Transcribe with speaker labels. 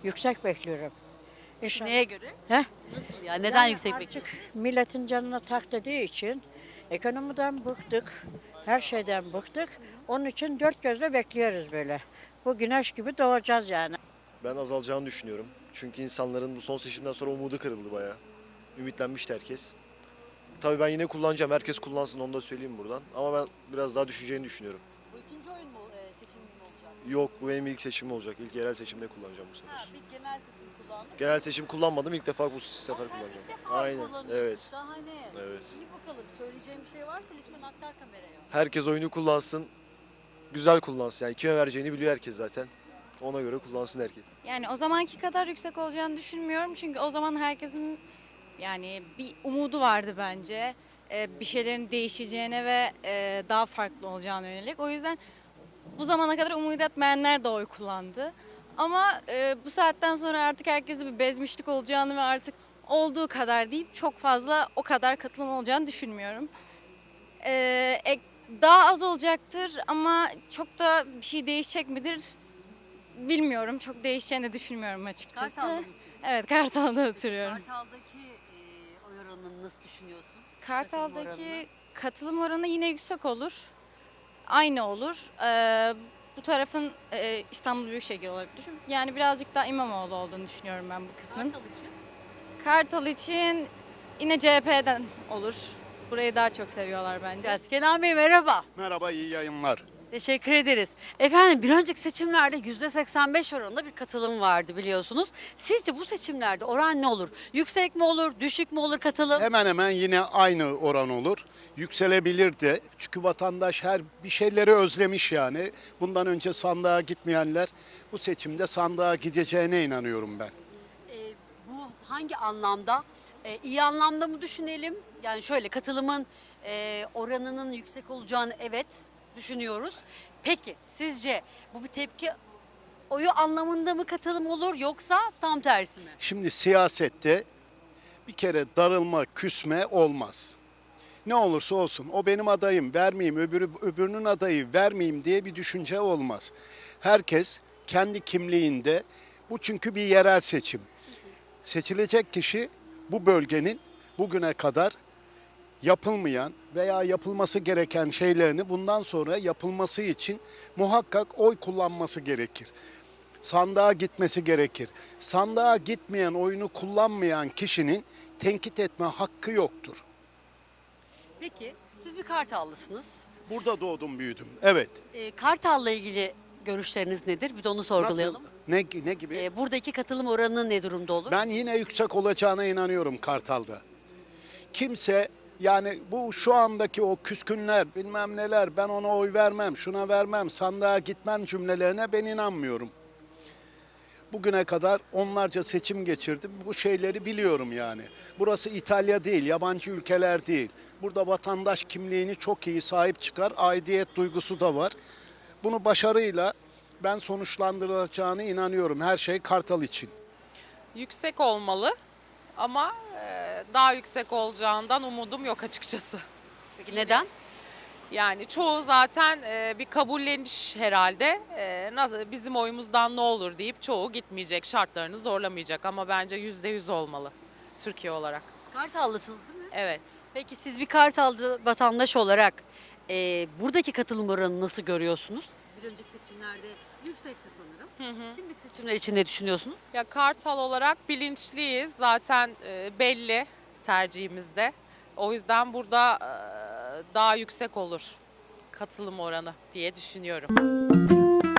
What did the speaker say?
Speaker 1: Yüksek bekliyorum. İnşallah.
Speaker 2: Neye göre?
Speaker 1: Heh?
Speaker 2: Nasıl ya? Neden
Speaker 1: Yani
Speaker 2: yüksek
Speaker 1: artık
Speaker 2: bekliyorsun?
Speaker 1: milletin canına tak dediği için ekonomiden bıktık. Her şeyden bıktık. Onun için dört gözle bekliyoruz böyle. Bu güneş gibi doğacağız yani.
Speaker 3: Ben azalacağını düşünüyorum. Çünkü insanların bu son seçimden sonra umudu kırıldı bayağı. Ümitlenmişti herkes. Tabii ben yine kullanacağım. Herkes kullansın, onu da söyleyeyim buradan. Ama ben biraz daha düşeceğini düşünüyorum.
Speaker 2: Bu ikinci oyun mu seçim mi olacak?
Speaker 3: Yok, bu benim ilk seçimim olacak. İlk yerel seçimde kullanacağım bu sefer.
Speaker 2: Bir genel seçim kullandık.
Speaker 3: Genel seçim kullanmadım. İlk defa bu sefer
Speaker 2: Sen
Speaker 3: kullanacağım.
Speaker 2: ilk defa
Speaker 3: Aynen.
Speaker 2: kullanıyorsun.
Speaker 3: Evet.
Speaker 2: Şahane.
Speaker 3: Evet.
Speaker 2: İyi bakalım. Söyleyeceğim bir şey varsa lütfen aktar kameraya.
Speaker 3: Herkes oyunu kullansın. Güzel kullansın. Yani kime vereceğini biliyor herkes zaten. Ona göre kullansın herkes.
Speaker 4: Yani o zamanki kadar yüksek olacağını düşünmüyorum. Çünkü o zaman herkesin yani bir umudu vardı bence. Bir şeylerin değişeceğine ve daha farklı olacağına yönelik. O yüzden bu zamana kadar umut etmeyenler de oy kullandı. Ama bu saatten sonra artık herkeste bir bezmişlik olacağını ve artık olduğu kadar deyip çok fazla o kadar katılım olacağını düşünmüyorum. Daha az olacaktır ama çok da bir şey değişecek midir bilmiyorum. Çok değişeceğini de düşünmüyorum açıkçası.
Speaker 2: Kartal'da mısın?
Speaker 4: Evet, Kartal'da oturuyorum.
Speaker 2: Kartal'daki oy oranını nasıl düşünüyorsun?
Speaker 4: Kartal'daki katılım oranı yine yüksek olur. Aynı olur. Bu tarafın İstanbul Büyükşehir olarak düşün. Yani birazcık daha İmamoğlu olduğunu düşünüyorum ben bu kısmın.
Speaker 2: Kartal için.
Speaker 4: Kartal için yine CHP'den olur. Burayı daha çok seviyorlar bence.
Speaker 2: Kenan Bey merhaba.
Speaker 5: Merhaba, iyi yayınlar.
Speaker 2: Teşekkür ederiz. Efendim bir önceki seçimlerde %85 oranında bir katılım vardı biliyorsunuz. Sizce bu seçimlerde oran ne olur? Yüksek mi olur, düşük mü olur katılım?
Speaker 5: Hemen hemen yine aynı oran olur. Yükselebilir de. Çünkü vatandaş her bir şeyleri özlemiş yani. Bundan önce sandığa gitmeyenler bu seçimde sandığa gideceğine inanıyorum ben.
Speaker 2: Bu hangi anlamda? İyi anlamda mı düşünelim? Yani şöyle katılımın oranının yüksek olacağını evet düşünüyoruz. Peki sizce bu bir tepki oyu anlamında mı katılım olur yoksa tam tersi mi?
Speaker 5: Şimdi siyasette bir kere darılma, küsme olmaz. Ne olursa olsun o benim adayım vermeyeyim, öbürünün adayı vermeyeyim diye bir düşünce olmaz. Herkes kendi kimliğinde, bu çünkü bir yerel seçim. Seçilecek kişi bu bölgenin bugüne kadar yapılmayan veya yapılması gereken şeylerini bundan sonra yapılması için muhakkak oy kullanması gerekir. Sandığa gitmesi gerekir. Sandığa gitmeyen, oyunu kullanmayan kişinin tenkit etme hakkı yoktur.
Speaker 2: Peki siz bir Kartallısınız.
Speaker 5: Burada doğdum, büyüdüm. Evet.
Speaker 2: Kartal'la ilgili görüşleriniz nedir? Bir de onu sorgulayalım.
Speaker 5: Nasıl? Ne gibi?
Speaker 2: Buradaki katılım oranı ne durumda olur?
Speaker 5: Ben yine yüksek olacağına inanıyorum Kartal'da. Kimse yani bu şu andaki o küskünler bilmem neler ben ona oy vermem, şuna vermem, sandığa gitmem cümlelerine ben inanmıyorum. Bugüne kadar onlarca seçim geçirdim. Bu şeyleri biliyorum yani. Burası İtalya değil, yabancı ülkeler değil. Burada vatandaş kimliğini çok iyi sahip çıkar, aidiyet duygusu da var. Bunu başarıyla ben sonuçlandırılacağına inanıyorum. Her şey Kartal için.
Speaker 6: Yüksek olmalı ama daha yüksek olacağından umudum yok açıkçası.
Speaker 2: Peki neden?
Speaker 6: Yani çoğu zaten bir kabulleniş herhalde. Nasıl bizim oyumuzdan ne olur deyip çoğu gitmeyecek, şartlarını zorlamayacak ama bence %100 olmalı Türkiye olarak.
Speaker 2: Kartallısınız değil mi?
Speaker 6: Evet.
Speaker 2: Peki siz bir Kartallı vatandaş olarak buradaki katılım oranını nasıl görüyorsunuz? Bir önceki seçimlerde yüksekti sanırım. Şimdiki seçimler için ne düşünüyorsunuz?
Speaker 6: Ya Kartal olarak bilinçliyiz. Zaten belli tercihimizde. O yüzden burada daha yüksek olur katılım oranı diye düşünüyorum.